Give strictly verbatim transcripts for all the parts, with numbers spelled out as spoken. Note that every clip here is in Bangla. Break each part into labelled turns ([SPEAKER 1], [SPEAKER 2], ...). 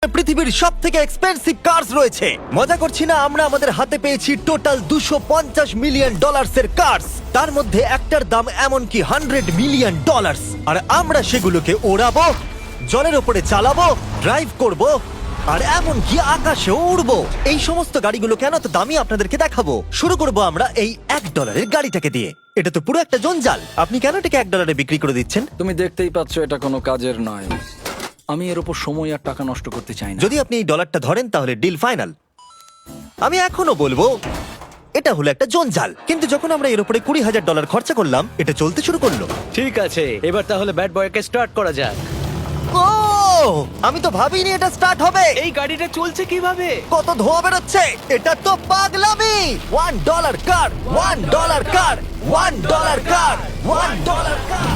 [SPEAKER 1] পৃথিবীর সব থেকে এক্সপেন্সিভ কার্স রয়েছে। মজা করছি না, আমরা আমাদের হাতে পেয়েছি টোটাল দুশো পঞ্চাশ মিলিয়ন ডলার্স এর কার্স। তার মধ্যে একটার দাম এমনকি হান্ড্রেড মিলিয়ন ডলার্স। আর আমরা সেগুলোকে ওড়াবো, জলের ওপরে চালাবো, ড্রাইভ করব, আর এমনকি আকাশেও উড়বো। এই সমস্ত গাড়িগুলো কেন তো দামি আপনাদেরকে দেখাবো। শুরু করব আমরা এই এক ডলারের গাড়িটাকে দিয়ে। এটা তো পুরো একটা জঞ্জাল। আপনি কেন এটাকে এক ডলারে বিক্রি করে দিচ্ছেন?
[SPEAKER 2] তুমি দেখতেই পাচ্ছ এটা কোনো কাজের নয়। আমি এর উপর সময় আর টাকা নষ্ট করতে চাই না।
[SPEAKER 1] যদি আপনি এই ডলারটা ধরেন তাহলে ডিল ফাইনাল। আমি এখনো বলবো এটা হলো একটা জঞ্জাল, কিন্তু যখন আমরা এর উপরে কুড়ি হাজার ডলার খরচা করলাম এটা চলতে শুরু করলো।
[SPEAKER 3] ঠিক আছে, এবার তাহলে ব্যাড বয়কে স্টার্ট করা যাক।
[SPEAKER 1] ও, আমি তো ভাবিনি এটা স্টার্ট হবে।
[SPEAKER 3] এই গাড়িটা চলছে কিভাবে?
[SPEAKER 1] কত ধোঁয়া বেরোচ্ছে, এটা তো পাগলামি। One dollar car, one dollar car, one dollar car, one dollar car.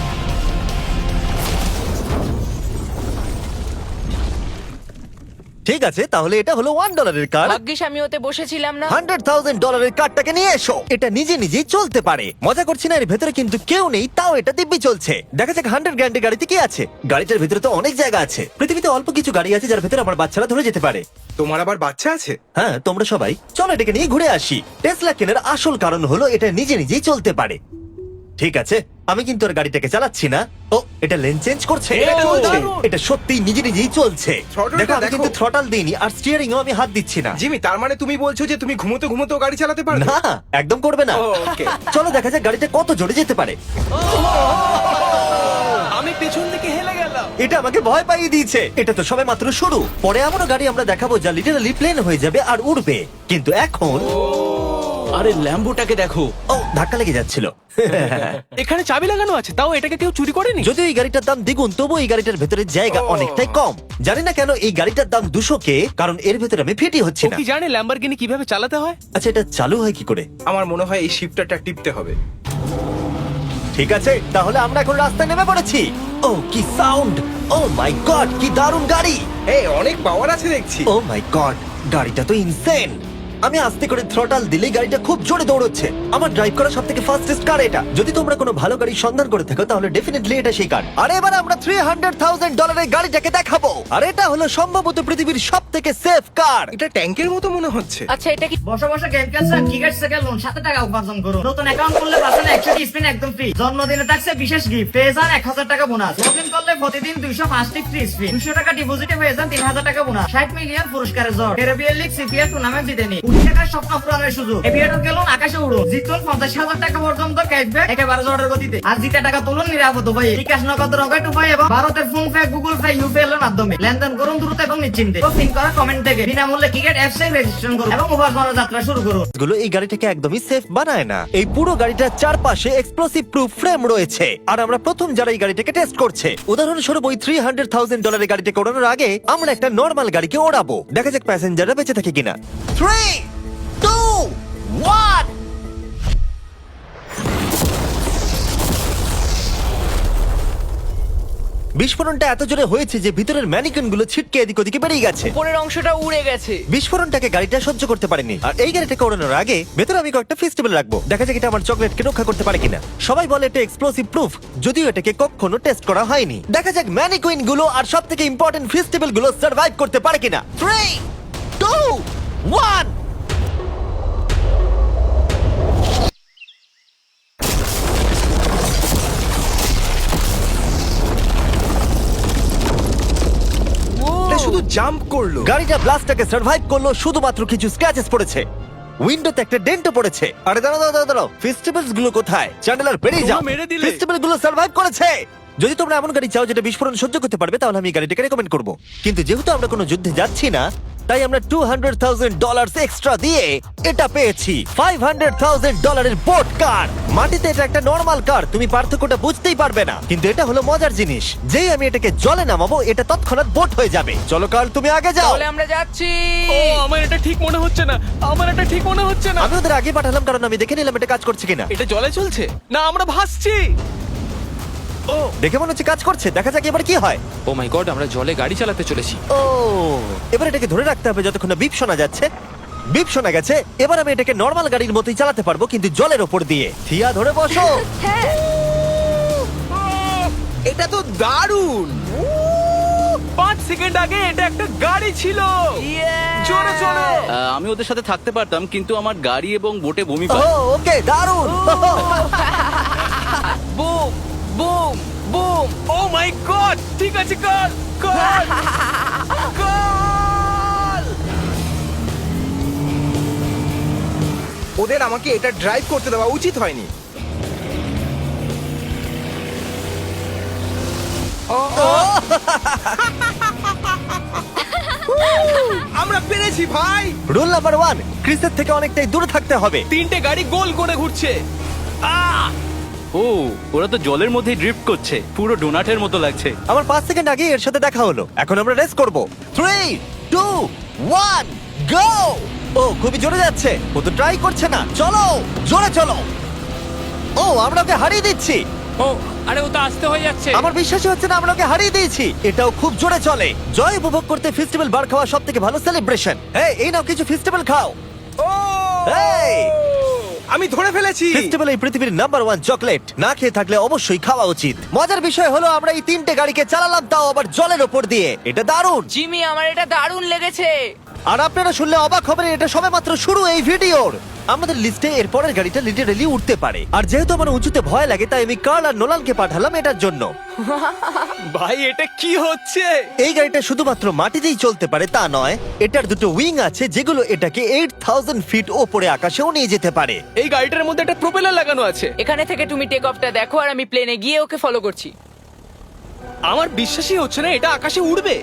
[SPEAKER 1] ঠিক আছে, তাহলে এটা হলো ওয়ান ডলারের কার।
[SPEAKER 4] ভাগ্যিস আমি ওতে বসেছিলাম না।
[SPEAKER 1] হান্ড্রেড থাউজেন্ড ডলারের কারটাকে নিয়ে এসো। এটা নিজে নিজেই চলতে পারে। মজা করছি না, এর ভেতরে কিন্তু কেউ নেই, তাও এটা দিব্যি চলছে। দেখা যাক হান্ড্রেড গ্র্যান্ডের গাড়িতে কি আছে। গাড়িটার ভেতরে তো অনেক জায়গা আছে। পৃথিবীতে অল্প কিছু গাড়ি আছে যার ভেতরে আমার বাচ্চারা ধরে যেতে পারে।
[SPEAKER 5] তোমার আবার বাচ্চা আছে?
[SPEAKER 1] হ্যাঁ, তোমরা সবাই চলো এটাকে নিয়ে ঘুরে আসি। টেসলা কেনার আসল কারণ হলো এটা নিজে নিজেই চলতে পারে। ঠিক আছে, আমি কিন্তু আর গাড়িটাকে চালাচ্ছি না। ও, এটা লেন চেঞ্জ করছে।
[SPEAKER 5] এটা চলছে।
[SPEAKER 1] এটা সত্যি নিজে নিজেই চলছে।
[SPEAKER 5] Throttle-টা
[SPEAKER 1] দেখো, আমি
[SPEAKER 5] দেখো।
[SPEAKER 1] কিন্তু থ্রটাল দিইনি আর স্টিয়ারিংও আমি হাত দিচ্ছি না।
[SPEAKER 5] জিমি, তার মানে তুমি বলছো যে তুমি ঘুমোতে ঘুমোতে গাড়ি চালাতে পারো?
[SPEAKER 1] না, একদম করবে না।
[SPEAKER 5] ও, okay.
[SPEAKER 1] চলো দেখা যাক গাড়িটা কত জোরে যেতে পারে।
[SPEAKER 3] আমি পেছন থেকে হেলে গেলাম।
[SPEAKER 1] এটা আমাকে ভয় পাইয়ে দিয়েছে। এটা তো সবে মাত্র শুরু। পরে এমনও গাড়ি আমরা দেখাবো যা লিটারালি প্লেন হয়ে যাবে আর উড়বে। কিন্তু এখন
[SPEAKER 3] আরে ল্যাম্বোটাকে দেখো,
[SPEAKER 1] ও, ধাক্কা লেগে যাচ্ছিল।
[SPEAKER 3] এখানে চাবি লাগানো আছে, তাও এটাকে কেউ চুরি করেনি।
[SPEAKER 1] যদিও এই গাড়িটার দাম দ্বিগুণ, তবু এই গাড়িটার ভেতরে জায়গা
[SPEAKER 5] ও।
[SPEAKER 1] অনেকটাই কম। জানি না কেন এই গাড়িটার দাম দুশো কে, কারণ এর ভেতরে আমি ফিটি হচ্ছে
[SPEAKER 3] ও
[SPEAKER 1] না।
[SPEAKER 3] কি জানে ল্যাম্বরগিনি কিভাবে চালাতে হয়?
[SPEAKER 1] আচ্ছা, এটা চালু হয় কি করে?
[SPEAKER 5] আমার মনে হয় এই শিফটারটা টিপতে হবে।
[SPEAKER 1] ঠিক আছে, তাহলে আমরা এখন রাস্তায় নেমে পড়েছি। ও, কি সাউন্ড! ও মাই গড, কি দারুণ গাড়ি!
[SPEAKER 5] এই অনেক পাওয়ার আছে দেখছি।
[SPEAKER 1] ও মাই গড, গাড়িটা তো ইনসেন। আমি আস্তে করে থ্রটাল দিলেই গাড়িটা খুব জোরে দৌড়চ্ছে। আমার ড্রাইভ করা সবথেকে ফাস্টেস্ট কার এটা। যদি তোমরা কোনো ভালো গাড়ি সন্ধান করে থাকো তাহলে ডেফিনেটলি এটা সেই কার। আর এবার আমরা থ্রি হান্ড্রেড থাউজেন্ড ডলারের গাড়িটাকে দেখাবো। আর এটা হলো সম্ভবত পৃথিবীর সবথেকে সেফ কার।
[SPEAKER 5] এটা ট্যাঙ্কের মতো মনে হচ্ছে।
[SPEAKER 4] আচ্ছা, এটা কি
[SPEAKER 6] বসে বসে গেম খেলছেন, ক্রিকেট থেকে লোন সাত টাকা উপার্জন করুন। নতুন অ্যাকাউন্ট খুললে পাচ্ছেন একশো স্পিন একদম ফ্রি। জন্মদিনে থাকছে বিশেষ গিফট, পেয়ে যান এক হাজার টাকা বোনাস। লগ ইন করলে প্রতিদিন দুইশো পাঁচটি ফ্রি স্পিন, দুশো টাকা ডিপোজিটে পেয়ে যান তিন হাজার টাকা বোনাস। ষাট মিলিয়ন পুরস্কারের জয়, ক্যারিবিয়ান লিগ সিপিএল টুর্নামেন্ট জিতে নিন। কোটি টাকার স্বপ্ন পূরণের সুযোগ। এভিয়েটর গেলুন, আকাশে উড়ুন, জিতুন পঞ্চাশ হাজার টাকা পর্যন্ত ক্যাশব্যাক একেবারে জটের গতিতে। আর জিতে টাকা তুলুন নিরাপদ উপায়ে, বিকাশ নগদ রকেট উপায় এবং ভারতের PhonePe, Google Pay, UPI এর মাধ্যমে লেনদেন করুন দ্রুত এবং নিশ্চিন্তে। পিন করা কমেন্ট থেকে বিনামূল্যে ক্রিকেট অ্যাপস এ রেজিস্ট্রেশন করুন এবং উপার্জনের যাত্রা শুরু করুন।
[SPEAKER 1] গুলো এই গাড়িটাকে একদমই সেফ বানায় না। এই পুরো গাড়িটার চারপাশে এক্সপ্লোসিভ প্রুফ ফ্রেম রয়েছে। আর আমরা প্রথম যারা এই গাড়িটাকে টেস্ট করছে, উদাহরণস্বরূপ ওই থ্রি হান্ড্রেড থাউজেন্ড ডলারের গাড়িটাকে ওড়ানোর আগে আমরা একটা নর্মাল গাড়িকে ওড়াবো। দেখা যাক প্যাসেঞ্জাররা বেঁচে থাকে কিনা। Three, two, one. বিস্ফোরণটা এত জোরে হয়েছে যে ভিতরের ম্যানিকুইন গুলো ছিটকে এদিক ওদিকে বেরিয়ে গেছে।
[SPEAKER 4] উপরের অংশটা উড়ে গেছে।
[SPEAKER 1] বিস্ফোরণটাকে গাড়িটা সহ্য করতে পারেনি। আর এই গাড়িটাকে ওড়ানোর আগে ভেতরে আমি কয়েকটা ফেস্টিভ্যাল রাখবো। দেখা যাক এটা আমার চকলেটকে রক্ষা করতে পারে কিনা। সবাই বলে এটা এক্সপ্লোসিভ প্রুফ, যদিও এটাকে কখনো টেস্ট করা হয়নি। দেখা যাক ম্যানিকুইন গুলো আর সব থেকে ইম্পর্টেন্ট ফেস্টিভ্যাল গুলো সার্ভাইভ করতে পারে কিনা। Three, two, one.
[SPEAKER 5] এটা শুধু জাম্প করলো।
[SPEAKER 1] গাড়িটা ব্লাস্টটাকে সার্ভাইভ করলো, শুধুমাত্র কিছু স্ক্র্যাচেস পড়েছে। উইন্ডোতে একটা ডেন্টও পড়েছে। আরে দাঁড়াও দাঁড়াও দাঁড়াও, ফেস্টিভ্যালস গুলো কোথায়? চ্যান্ডেলার বেরিয়ে যাও।
[SPEAKER 3] তোমরা মেরে দিলে।
[SPEAKER 1] ফেস্টিভ্যাল গুলো সার্ভাইভ করেছে। যদি তোমরা এমন গাড়ি চাও যেটা বিস্ফোরণ সহ্য করতে পারবে তাহলে আমি এই গাড়িটাকে রেকমেন্ড করব। কিন্তু যেহেতু আমরা কোনো যুদ্ধে যাচ্ছি না, তাই আমরা two hundred thousand dollar extra দিয়ে এটা পেয়েছি। ফাইভ হান্ড্রেড থাউজেন্ড ডলারের বোট কার। মাটিতে এটা একটা নর্মাল কার, তুমি পার্থক্যটা বুঝতেই পারবে না। কিন্তু এটা হলো মজার জিনিস, যেই আমি এটাকে জলে নামাবো এটা তৎক্ষণাৎ বোট হয়ে যাবে। চলো কার, তুমি আগে যাও।
[SPEAKER 4] তাহলে আমরা যাচ্ছি।
[SPEAKER 3] ও, আমার এটা ঠিক মনে হচ্ছে না, আমার এটা ঠিক মনে হচ্ছে না।
[SPEAKER 1] আমি ওদের আগে পাঠালাম কারণ আমি দেখে নিলাম এটা কাজ করছে কিনা।
[SPEAKER 3] এটা জলে চলছে না, আমরা ভাসছি। ও,
[SPEAKER 1] দেখে মনে হচ্ছে কাজ করছে। দেখা যাক এবার কি হয়।
[SPEAKER 7] ও মাই গড, আমরা জলে গাড়ি চালাতে চলেছি।
[SPEAKER 1] ও, এবার এটাকে ধরে রাখতে হবে যতক্ষণ না বিপ শোনা যাচ্ছে। বিপ শোনা গেছে, এবার আমি এটাকে নর্মাল গাড়ির মতোই চালাতে পারবো, কিন্তু জলের ওপর দিয়ে। থিয়া, ধরে বসো।
[SPEAKER 4] হ্যাঁ,
[SPEAKER 5] এটা তো দারুণ।
[SPEAKER 3] পাঁচ সেকেন্ড আগে এটা একটা গাড়ি ছিল। জোরে চলো।
[SPEAKER 8] আহ, আমি ওদের সাথে থাকতে পারতাম কিন্তু আমার গাড়ি এবং বোটে বমি
[SPEAKER 1] ও
[SPEAKER 8] পায়।
[SPEAKER 1] ওকে দারুণ
[SPEAKER 4] boom boom boom.
[SPEAKER 3] Oh my god, ঠিক আছে কর কর কর।
[SPEAKER 5] ওদের আমাকে এটা ড্রাইভ করতে দেওয়া উচিত হয়নি। আমরা পেরেছি ভাই।
[SPEAKER 1] রুল নাম্বার ওয়ান, ক্রিসের থেকে অনেকটাই দূরে থাকতে হবে।
[SPEAKER 3] তিনটে গাড়ি গোল করে ঘুরছে। আহ!
[SPEAKER 8] ও ওরা তো জলের মধ্যেই ড্রিফট করছে, পুরো ডোনাটের মতো লাগছে।
[SPEAKER 1] আমার পাঁচ সেকেন্ড আগে এর সাথে দেখা হলো। এখন আমরা রেস করব। Three two one go. ও খুবই জোরে যাচ্ছে, ও তো ট্রাই করছে না। চলো জোরে চলো। ও আমরা ওকে হারিয়ে দিচ্ছি।
[SPEAKER 7] ও আরে ও তো আসতে হয়ে যাচ্ছে।
[SPEAKER 1] আমার বিশ্বাসই হচ্ছে না আমরা ওকে হারিয়ে দিয়েছি। এটাও খুব জোরে চলে। জয় উপভোগ করতে ফেস্টিভ্যাল বার খাওয়া সব থেকে ভালো সেলিব্রেশন। এই এই নাও কিছু ফেস্টিভ্যাল খাও।
[SPEAKER 5] ও
[SPEAKER 1] এই
[SPEAKER 5] আমি ধরে ফেলেছি।
[SPEAKER 1] ফেস্টিভ্যাল এই পৃথিবীর নাম্বার ওয়ান চকলেট। না খেয়ে থাকলে অবশ্যই খাওয়া উচিত। মজার বিষয় হলো আমরা এই তিনটে গাড়িকে চালালাম, তাও আবার জলের ওপর দিয়ে। এটা দারুণ।
[SPEAKER 4] জিমি আমার এটা দারুণ লেগেছে।
[SPEAKER 1] আর আপনারা শুনলে অবাক হবেন, এটা সবেমাত্র শুরু এই ভিডিওর। আমাদের লিস্টে এর পরের গাড়িটা লিটারেলি উঠতে পারে। আর যেহেতু আমার উঁচুতে ভয় লাগে, তাই আমি কার্ল আর নোলানকে পাঠালাম এটার জন্য।
[SPEAKER 3] ভাই এটা কি হচ্ছে?
[SPEAKER 1] এই গাড়িটা শুধুমাত্র মাটিতেই চলতে পারে তা নয়, এটার দুটো উইং আছে যেগুলো এটাকে এইট থাউজেন্ড ফিট ওপরে আকাশেও নিয়ে যেতে পারে।
[SPEAKER 3] এই গাড়িটার মধ্যে একটা প্রপেলার লাগানো আছে।
[SPEAKER 4] এখানে থেকে তুমি টেক অফটা দেখো আর আমি প্লেনে গিয়ে ওকে ফলো করছি।
[SPEAKER 3] আমার বিশ্বাসই হচ্ছে না এটা আকাশে উড়বে।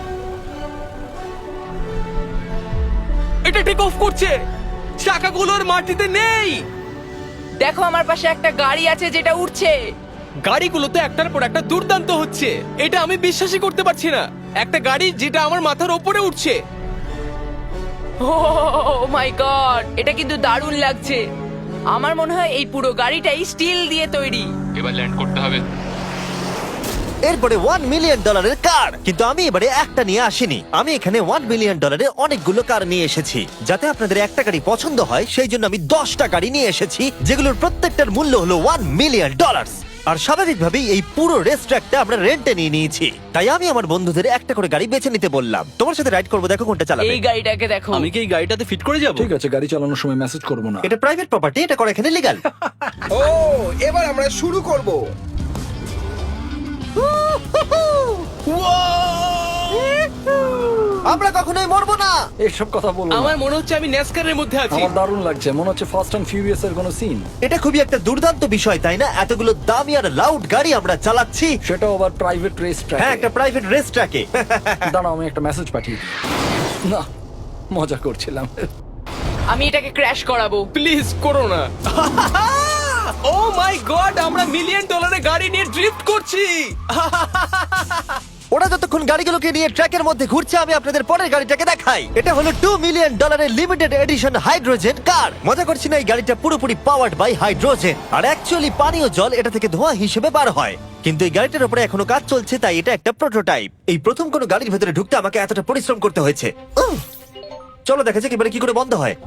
[SPEAKER 3] এটা টেক অফ করছে, চাকাগুলোর মাটিতে নেই।
[SPEAKER 4] দেখো আমার পাশে একটা গাড়ি আছে যেটা উঠছে।
[SPEAKER 3] গাড়িগুলোতে একটার পর একটা দুর্দান্ত হচ্ছে। এটা আমি বিশ্বাসই করতে পারছি না, একটা গাড়ি যেটা আমার মাথার ওপরে উঠছে।
[SPEAKER 4] ও মাই গড, এটা কিন্তু দারুণ লাগছে। আমার মনে হয় এই পুরো গাড়িটাই স্টিল দিয়ে তৈরি।
[SPEAKER 7] এবার ল্যান্ড করতে হবে।
[SPEAKER 1] এরপরে ওয়ান মিলিয়ন ডলারের কার। কিন্তু আমি এবারে একটা নিয়ে আসিনি, আমি এখানে ওয়ান মিলিয়ন ডলারের অনেকগুলো কার নিয়ে এসেছি। যাতে আপনাদের একটা গাড়ি পছন্দ হয় সেই জন্য আমি দশটা গাড়ি নিয়ে এসেছি, যেগুলোর প্রত্যেকটার মূল্য হলো ওয়ান মিলিয়ন ডলার। আর স্বাভাবিকভাবেই এই পুরো রেস ট্র্যাকটা আমরা রেন্টে নিয়ে নিয়েছি। তাই আমি আমার বন্ধুদের একটা করে গাড়ি বেছে নিতে বললাম। তোমার সাথে রাইড করবো, দেখো কোনটা চালাবে।
[SPEAKER 4] এই গাড়িটাকে দেখো।
[SPEAKER 8] আমি কি এই গাড়িটাতে ফিট করে যাব?
[SPEAKER 2] ঠিক আছে, গাড়ি চালানোর সময় মেসেজ করবো না।
[SPEAKER 1] এটা প্রাইভেট প্রপার্টি, এটা করা এখানে লিগ্যাল।
[SPEAKER 5] ও এবার আমরা শুরু করব।
[SPEAKER 1] আমরা কখনোই মরবো না।
[SPEAKER 2] এইসব কথা বলবো না।
[SPEAKER 3] আমার মনে হচ্ছে আমি ন্যাসকারের মধ্যে আছি।
[SPEAKER 2] আমার দারুণ লাগছে, মনে হচ্ছে ফাস্ট অ্যান্ড ফিউরিয়াস এর কোনো সিন।
[SPEAKER 1] এটা খুবই একটা দুর্দান্ত বিষয়, তাই না? এতগুলো দামি আর লাউড গাড়ি আমরা চালাচ্ছি।
[SPEAKER 2] সেটাও আবার প্রাইভেট রেস ট্র্যাক।
[SPEAKER 1] হ্যাঁ, একটা প্রাইভেট রেস ট্র্যাকে।
[SPEAKER 2] দাঁড়াও আমি একটা মেসেজ পাঠিয়ে দিই। না, মজা করছিলাম।
[SPEAKER 4] আমি এটাকে ক্র্যাশ করাবো।
[SPEAKER 3] প্লিজ করো না। ও মাই গড, আমরা মিলিয়ন ডলারের গাড়ি নিয়ে ড্রিফট করছি।
[SPEAKER 1] ওরা যতক্ষণ গাড়িগুলোকে নিয়ে ট্র্যাকের মধ্যে ঘুরছে, আমি আপনাদের পরের গাড়িটাকে দেখাই। এটা হলো টু মিলিয়ন ডলারের লিমিটেড এডিশন হাইড্রোজেন কার। মজা করছি না, এই গাড়িটা পুরোপুরি পাওয়ার্ড বাই হাইড্রোজেন। আর অ্যাকচুয়ালি পানীয় জল এটা থেকে ধোঁয়া হিসেবে বার হয়। কিন্তু এই গাড়িটার উপরে এখনো কাজ চলছে, তাই এটা একটা প্রোটোটাইপ। এই প্রথম কোনো গাড়ির ভেতরে ঢুকতে আমাকে এতটা পরিশ্রম করতে হয়েছে। উফ! চলো দেখা যাক এবারে কি করে বন্ধ হয়।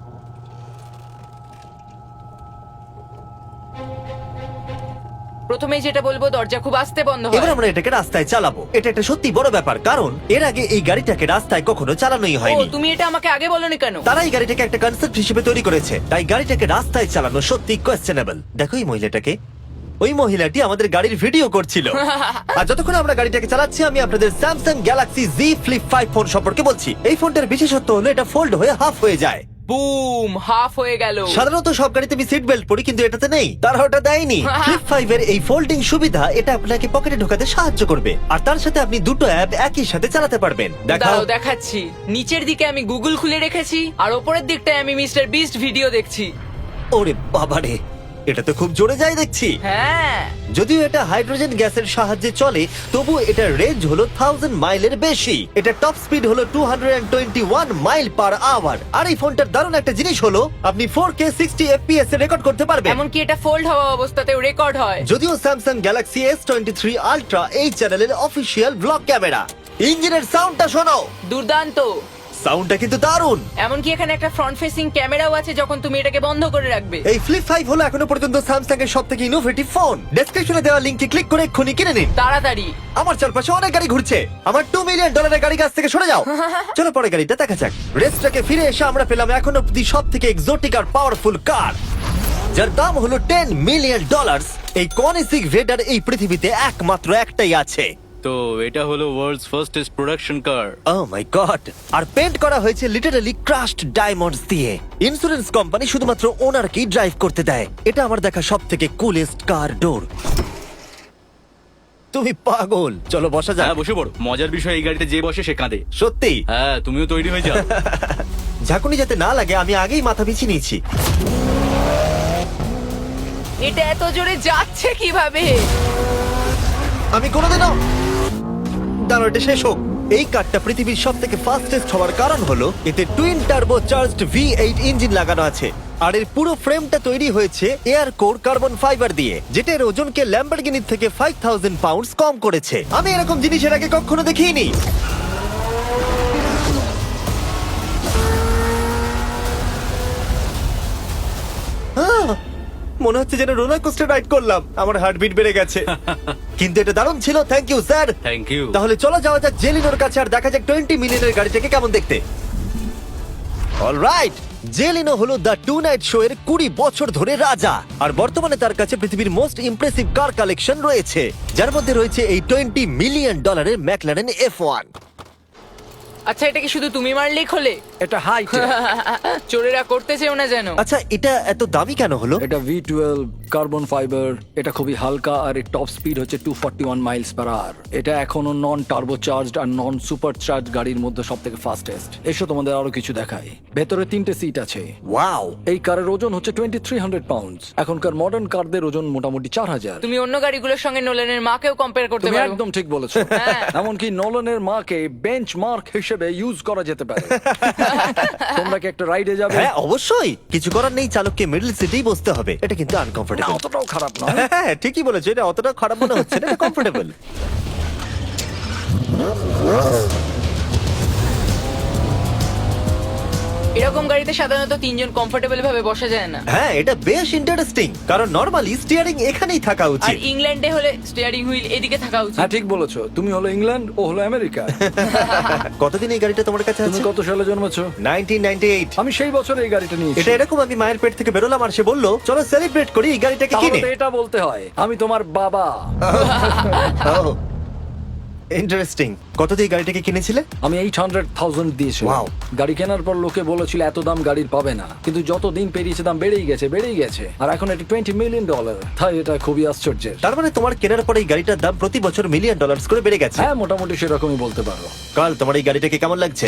[SPEAKER 4] প্রথমেই যেটা বলবো, দরজা খুব আস্তে বন্ধ
[SPEAKER 1] এবার
[SPEAKER 4] হয়।
[SPEAKER 1] আমরা এটাকে রাস্তায় চালাবো। এটা একটা সত্যি বড় ব্যাপার, কারণ এর আগে এই গাড়িটাকে রাস্তায় কখনো চালানোই
[SPEAKER 4] ও
[SPEAKER 1] হয়নি।
[SPEAKER 4] তুমি এটা আমাকে আগে বলনি কেন?
[SPEAKER 1] তারা এই গাড়িটাকে একটা কনসেপ্ট হিসেবে তৈরি করেছে, তাই গাড়িটাকে রাস্তায় চালানো সত্যি কোয়েশ্চেনেবল। দেখো এই মহিলাটাকে, ওই মহিলাটি আমাদের গাড়ির ভিডিও করছিল। আর যতক্ষণ আমরা গাড়িটাকে চালাচ্ছি, আমি আপনাদের Samsung Galaxy Z flip five phone সম্পর্কে বলছি। এই ফোনটার বিশেষত্ব হলো এটা ফোল্ড হয়ে হাফ হয়ে যায়।
[SPEAKER 4] বুম, হাফ হয়ে গেল।
[SPEAKER 1] সাধারণত সব গাড়িতে আমি সিট বেল্ট পরি, কিন্তু এটাতে নেই। তারা ওটা দেয়নি। ফ্লিপ ফাইভ এর এই ফোল্ডিং সুবিধা, এটা আপনাকে পকেটে ঢোকাতে সাহায্য করবে। আর তার সাথে আপনি দুটো অ্যাপ একই সাথে চালাতে পারবেন। দেখাও।
[SPEAKER 4] দাঁড়াও দেখাচ্ছি। নিচের দিকে আমি গুগল খুলে রেখেছি, আর ওপরের দিকটায় আমি মিস্টার বিস্ট ভিডিও দেখছি।
[SPEAKER 1] ওরে বাবারে, এটা তো খুব জোরে যায় দেখছি।
[SPEAKER 4] হ্যাঁ,
[SPEAKER 1] যদিও এটা হাইড্রোজেন গ্যাসের সাহায্যে চলে, তবু এটার রেঞ্জ হলো থাউজেন্ড মাইলের বেশি। এটা টপ স্পিড হলো two twenty one mile per hour. আর এই ফোনটার দারুণ একটা জিনিস হলো আপনি ফোর কে সিক্সটি এফপিএস এ রেকর্ড করতে পারবেন।
[SPEAKER 4] এমনকি এটা ফোল্ড হওয়া অবস্থাতেও রেকর্ড হয়।
[SPEAKER 1] যদিও Samsung Galaxy S twenty three Ultra এই চ্যানেলের অফিসিয়াল ব্লগ ক্যামেরা। ইঞ্জিনের সাউন্ডটা শোনো।
[SPEAKER 4] দুর্দান্ত।
[SPEAKER 1] সাউন্ডটা কিন্তু দারুণ।
[SPEAKER 4] এমনকি এখানে একটা ফ্রন্ট ফেসিং ক্যামেরাও আছে যখন তুমি এটাকে বন্ধ করে রাখবে।
[SPEAKER 1] এই ফ্লিপ ফাইভ হলো এখনো পর্যন্ত স্যামসাং এর সব থেকে ইনোভেটিভ ফোন। ডেসক্রিপশনে দেওয়া লিংকে ক্লিক করে এক্ষুনি কিনে নিন।
[SPEAKER 4] তাড়াতাড়ি।
[SPEAKER 1] আমার চারপাশে অনেক গাড়ি ঘুরছে। আমার টু মিলিয়ন ডলারের গাড়ি কাছ থেকে সরে যাও। চলো পরে গাড়িটা দেখা যাক। রেসটাকে ফিরে এসে আমরা পেলাম এখন অব্দি সব থেকে এক্সোটিক আর পাওয়ারফুল কার, যার দাম হলো টেন মিলিয়ন ডলার। এই কনিসিক ভেডার এই পৃথিবীতে একমাত্র একটাই আছে।
[SPEAKER 8] তো এটা হলো world's fastest production car.
[SPEAKER 1] Oh my god! আর পেন্ট করা হয়েছে লিটারালি ক্রাশড ডায়মন্ডস দিয়ে। ইন্স্যুরেন্স কোম্পানি শুধুমাত্র ওনারকেই ড্রাইভ করতে দেয়। এটা আমার দেখা সব থেকে কুলেস্ট কার ডোর। তুমি পাগল। চলো বসা যাক।
[SPEAKER 8] হ্যাঁ বসে পড়ো। মজার বিষয় এই গাড়িতে যে বসে সে কাঁদে।
[SPEAKER 1] সত্যি?
[SPEAKER 8] হ্যাঁ তুমিও তৈরি হয়ে যাও।
[SPEAKER 1] ঝাঁকুনি যাতে না লাগে আমি আগেই মাথা পিছিয়ে নিয়েছি।
[SPEAKER 4] এটা এত জোরে যাচ্ছে কিভাবে?
[SPEAKER 1] আমি কোনোদিনও দাঁড়ো, এটা শেষ হোক। এই কারটা পৃথিবীর সব থেকে ফাস্টেস্ট হওয়ার কারণ হলো এতে twin turbo charged V eight engine লাগানো আছে। আর এর পুরো ফ্রেমটা তৈরি হয়েছে এয়ার কোর কার্বন ফাইবার দিয়ে, যেটা এর ওজনকে ল্যাম্বরগিনির থেকে ফাইভ থাউজেন্ড পাউন্ডস কম করেছে। আমি এরকম জিনিস এর আগে কখনো দেখিনি। আহ! মনে হচ্ছে যেন রোলার কোস্টার রাইড করলাম। আমার হার্টবিট বেড়ে গেছে। কিন্তু এটা দারুণ ছিল। Thank you sir.
[SPEAKER 8] Thank you.
[SPEAKER 1] তাহলে চলো যাওয়া যাক জেলিনোর কাছে আর দেখা যাক টোয়েন্টি মিলিয়নের গাড়িটাকে কেমন দেখতে। অলরাইট, জেলিনো হলো দ্য টু নাইট শো এর কুড়ি বছর ধরে রাজা। আর বর্তমানে তার কাছে পৃথিবীর মোস্ট ইমপ্রেসিভ কার কালেকশন রয়েছে, যার মধ্যে রয়েছে এই টোয়েন্টি মিলিয়ন ডলারের ম্যাকলারেন এফ ওয়ান।
[SPEAKER 4] আচ্ছা, এটা কি শুধু তুমি মারলেই খোলে?
[SPEAKER 2] এটা হাই
[SPEAKER 4] চোরেরা করতে চেও না যেন।
[SPEAKER 1] আচ্ছা, এটা এত দামি কেন হলো?
[SPEAKER 2] এটা ভি টুয়েলভ কার্বন ফাইবার। এটা খুবই হালকা আর এর টপ স্পিড হচ্ছে two forty one miles per hour. এটা এখনো নন টার্বো চার্জড আর নন সুপার চার্জ গাড়ির মধ্যে সব থেকে ফাস্টেস্ট। এসো তোমাদের আরো কিছু দেখাই। ভেতরে তিনটে সিট আছে।
[SPEAKER 1] ওয়াও!
[SPEAKER 2] এই কারের ওজন হচ্ছে টোয়েন্টি থ্রি হান্ড্রেড পাউন্ডস। এখনকার মডার্ন কারদের ওজন মোটামুটি চার হাজার।
[SPEAKER 4] তুমি অন্য গাড়িগুলোর সঙ্গে নোলেনের মাকেও কম্পেয়ার করতে
[SPEAKER 2] তুমি
[SPEAKER 4] পারো।
[SPEAKER 2] একদম ঠিক বলেছো।
[SPEAKER 4] হ্যাঁ।
[SPEAKER 2] এমনকি নোলানের মাকে বেঞ্চ মার্ক হিসেবে ইউজ করা যেতে পারে। তোমরা কি একটা রাইডে যাবে?
[SPEAKER 1] হ্যাঁ অবশ্যই। কিছু করার নেই, চালককে মিডল সিটেই বসতে হবে। এটা কিন্তু আনকমফোর্টেবল।
[SPEAKER 2] না, অতটাও খারাপ না।
[SPEAKER 1] হ্যাঁ ঠিকই বলেছো, এটা অতটা খারাপ মনে হচ্ছে না, এটা কমফোর্টেবল।
[SPEAKER 4] এরকম গাড়িতে সাধারণত তিনজন কমফোর্টেবল ভাবে বসা যায় না।
[SPEAKER 1] হ্যাঁ এটা বেশ ইন্টারেস্টিং, কারণ নরমালি স্টিয়ারিং এখানেই থাকা
[SPEAKER 4] আর
[SPEAKER 1] উচিত।
[SPEAKER 4] ইংল্যান্ডে হলে স্টিয়ারিং হুইল এদিকে থাকা উচিত।
[SPEAKER 2] হ্যাঁ ঠিক বলেছো। তুমি হলো ইংল্যান্ড, ও হলো আমেরিকা।
[SPEAKER 1] কতদিন এই গাড়িটা তোমার কাছে
[SPEAKER 2] তুমি
[SPEAKER 1] আছে?
[SPEAKER 2] কত সালে জন্মেছো?
[SPEAKER 1] Nineteen ninety eight.
[SPEAKER 2] আমি সেই বছর এই গাড়িটা নিয়েছি।
[SPEAKER 1] এটা এরকম আমি মায়ের পেট থেকে বেরোলাম আর সে বললো চলো সেলিব্রেট করি এই গাড়িটাকে
[SPEAKER 2] তাহলে
[SPEAKER 1] কিনে।
[SPEAKER 2] তো এটা বলতে হয় আমি তোমার বাবা।
[SPEAKER 1] ইন্টারেস্টিং। কত দিয়ে গাড়িটাকে কিনেছিলে?
[SPEAKER 2] আমি এইট হান্ড্রেড থাউজেন্ড দিয়েছি।
[SPEAKER 1] Wow.
[SPEAKER 2] গাড়ি কেনার পর লোকে বলেছিল এত দাম গাড়ির পাবে না, কিন্তু যত দিন পেরিয়েছে দাম বেড়েই গেছে বেড়েই গেছে আর এখন এটা টোয়েন্টি মিলিয়ন ডলার। তাই এটা খুবই আশ্চর্যের।
[SPEAKER 1] তার মানে তোমার কেনার পরে এই গাড়িটার দাম প্রতি বছর মিলিয়ন ডলার করে বেড়ে গেছে।
[SPEAKER 2] হ্যাঁ মোটামুটি সেরকমই বলতে পারো।
[SPEAKER 1] কাল তোমার এই গাড়িটাকে কেমন লাগছে?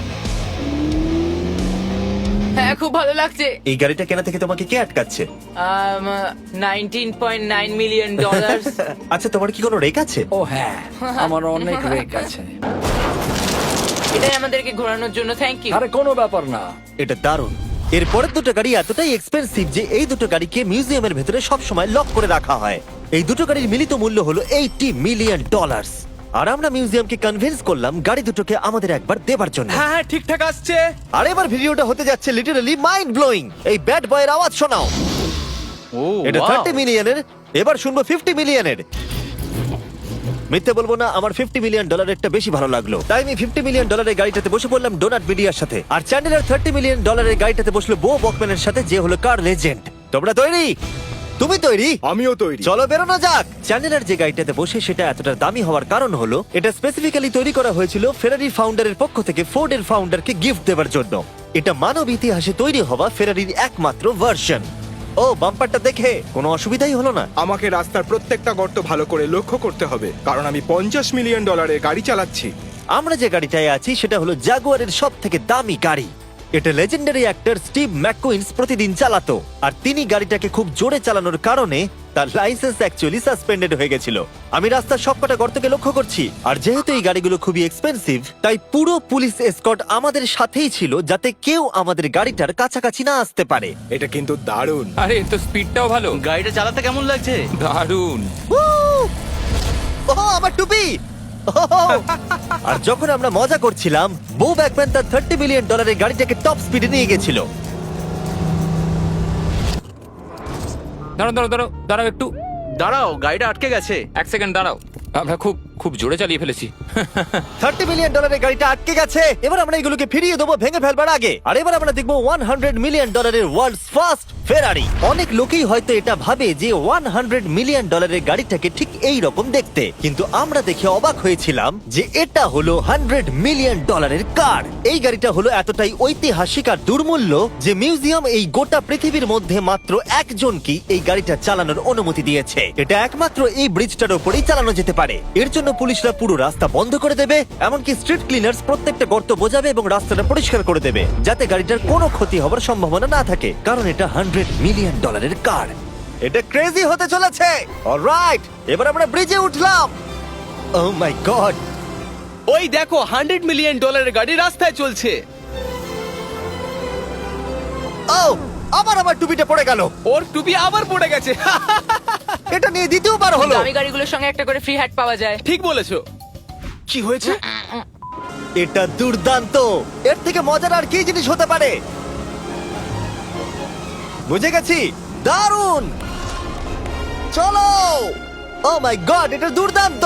[SPEAKER 4] হ্যাঁ খুব ভালো লাগছে।
[SPEAKER 1] এই গাড়িটা কেনা থেকে তোমাকে কে আটকাচ্ছে?
[SPEAKER 4] Nineteen point nine million dollar.
[SPEAKER 1] আচ্ছা তোমার কি কোনো রেক আছে?
[SPEAKER 2] ও হ্যাঁ, আমার অনেক রেক আছে।
[SPEAKER 4] এটাই আমাদেরকে ঘোরানোর জন্য থ্যাংক ইউ।
[SPEAKER 2] আরে কোনো ব্যাপার না।
[SPEAKER 1] এটা দারুণ। এর পরের দুটো গাড়ি এতটাই এক্সপেন্সিভ যে এই দুটো গাড়িকে মিউজিয়ামের ভেতরে সব সময় লক করে রাখা হয়। এই দুটো গাড়ির মিলিত মূল্য হলো এইটি মিলিয়ন ডলার। আর আমরা মিউজিয়ামকে কনভিন্স করলাম গাড়ি দুটোকে আমাদের একবার দেবার জন্য।
[SPEAKER 3] হ্যাঁ হ্যাঁ ঠিকঠাক আসছে।
[SPEAKER 1] আর এবার ভিডিওটা হতে যাচ্ছে লিটারালি মাইন্ড ব্লোয়িং। এই ব্যাড বয়ের আওয়াজ শোনাও।
[SPEAKER 8] ও
[SPEAKER 1] এটা
[SPEAKER 8] wow!
[SPEAKER 1] থার্টি মিলিয়নের, এবার শুনবো ফিফটি মিলিয়নের। মিথ্যে বলবো না, আমার ফিফটি মিলিয়ন ডলারেরটা বেশি ভালো লাগলো, তাই আমি ফিফটি মিলিয়ন ডলারের গাড়িটাতে বসে পড়লাম ডোনাট মিডিয়ার সাথে। আর চ্যান্ডেলার থার্টি মিলিয়ন ডলারের গাড়িটাতে বসলো বো বকম্যানের সাথে, যে হলো কার লেজেন্ড। তোমরা তৈরি? তুমি তৈরি?
[SPEAKER 5] আমিও তৈরি।
[SPEAKER 1] চলো বেরোনো যাক। চ্যান্ডেলার যে গাড়িটাতে বসে সেটা এতটা দামি হওয়ার কারণ হলো এটা স্পেসিফিক্যালি তৈরি করা হয়েছিল ফেরারি ফাউন্ডারের পক্ষ থেকে ফোর্ডের ফাউন্ডারকে গিফট দেওয়ার জন্য। এটা মানব ইতিহাসে তৈরি হওয়া ফেরারির একমাত্র ভার্সন। ও বাম্পারটা দেখে কোনো অসুবিধাই হলো না।
[SPEAKER 5] আমাকে রাস্তার প্রত্যেকটা গর্ত ভালো করে লক্ষ্য করতে হবে, কারণ আমি পঞ্চাশ মিলিয়ন ডলারের গাড়ি চালাচ্ছি।
[SPEAKER 1] আমরা যে গাড়িটায় আছি সেটা হলো জাগুয়ারের সব থেকে দামি গাড়ি। এটা লেজেন্ডারি অ্যাক্টর স্টিভ ম্যাককুইন্স প্রতিদিন চালাতো, আর তিনি গাড়িটাকে খুব জোরে চালানোর কারণে তার লাইসেন্স অ্যাকচুয়ালি সাসপেন্ডেড হয়ে গেছিল। আমি রাস্তার সবকটা গর্তকে লক্ষ্য করছি, আর যেহেতু এই গাড়িগুলো খুবই এক্সপেন্সিভ তাই পুরো পুলিশ এসকর্ট আমাদের সাথেই ছিল, যাতে কেউ আমাদের গাড়িটার কাছাকাছি না আসতে পারে।
[SPEAKER 5] এটা কিন্তু দারুণ।
[SPEAKER 7] আরে এর তো স্পিডটাও ভালো।
[SPEAKER 8] গাড়িটা চালাতে কেমন লাগছে?
[SPEAKER 7] দারুণ।
[SPEAKER 1] ও আমার টুপি! আর যখন আমরা মজা করছিলাম, বো ব্যাকম্যান তার থার্টি মিলিয়ন ডলারের গাড়িটাকে টপ স্পিডে নিয়ে গেছিল।
[SPEAKER 7] দাঁড়াও দাঁড়াও দাঁড়াও দাঁড়াও একটু
[SPEAKER 8] দাঁড়াও, গাড়িটা আটকে গেছে।
[SPEAKER 7] এক সেকেন্ড দাঁড়াও। আমরা খুব খুব জোরে চালিয়ে ফেলেছি।
[SPEAKER 1] থার্টি মিলিয়ন ডলারের গাড়িটা আটকে গেছে। এবার আমরা এগুলোকে ফিরিয়ে দেবো ভেঙে ফেলবার আগে। আর এবার আমরা দেখবো ওয়ান হান্ড্রেড মিলিয়ন ডলারের ওয়ার্ল্ডস ফার্স্ট ফেরারি। অনেক লোকেই হয়তো এটা ভাবে যে ওয়ান হান্ড্রেড মিলিয়ন ডলারের গাড়িটাকে ঠিক এই রকম দেখতে, কিন্তু আমরা দেখে অবাক হয়েছিলাম যে এটা হলো হান্ড্রেড মিলিয়ন ডলারের কার। এই গাড়িটা হলো এতটাই ঐতিহাসিক আর দুর্মূল্য যে মিউজিয়াম এই গোটা পৃথিবীর মধ্যে মাত্র একজনকেই এই গাড়িটা চালানোর অনুমতি দিয়েছে। এটা একমাত্র এই ব্রিজটার উপরেই চালানো যেতে পারে। এর জন্য পুলিশরা পুরো রাস্তা বন্ধ করে দেবে, এমনকি স্ট্রিট ক্লিনার্স প্রত্যেকটা গর্ত বোঝাবে এবং রাস্তাটা পরিষ্কার করে দেবে, যাতে গাড়িটার কোনো ক্ষতি হবার সম্ভাবনা না থাকে, কারণ এটা হান্ড্রেড মিলিয়ন ডলারের কার। এটা ক্রেজি হতে চলেছে। অলরাইট, এবার আমরা ব্রিজে উঠলাম। ও মাই গড,
[SPEAKER 3] ওই দেখো হান্ড্রেড মিলিয়ন ডলারের গাড়ি রাস্তায় চলছে।
[SPEAKER 1] ও আবার আমার টুপিটা পড়ে গেল।
[SPEAKER 3] ওর টুপি আবার পড়ে গেছে।
[SPEAKER 1] এটা নিয়ে দ্বিতীয়বার হলো।
[SPEAKER 4] দামি গাড়িগুলোর সঙ্গে একটা করে ফ্রি হ্যাট পাওয়া যায়।
[SPEAKER 3] ঠিক বলেছো। কি হয়েছে?
[SPEAKER 1] এটা দুর্দান্ত। এর থেকে মজার আর কি জিনিস হতে পারে? বুঝে গেছি, দারুণ। চলো। ও মাই গড, এটা দুর্দান্ত।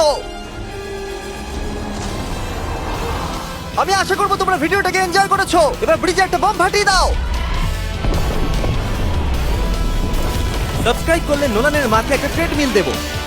[SPEAKER 1] আমি আশা করবো তোমরা ভিডিওটাকে এনজয় করেছো। এবার ব্রিজে একটা বম ফাটিয়ে দাও। সাবস্ক্রাইব করলে নোলানের মাকে একটা ট্রেডমিল দেবো।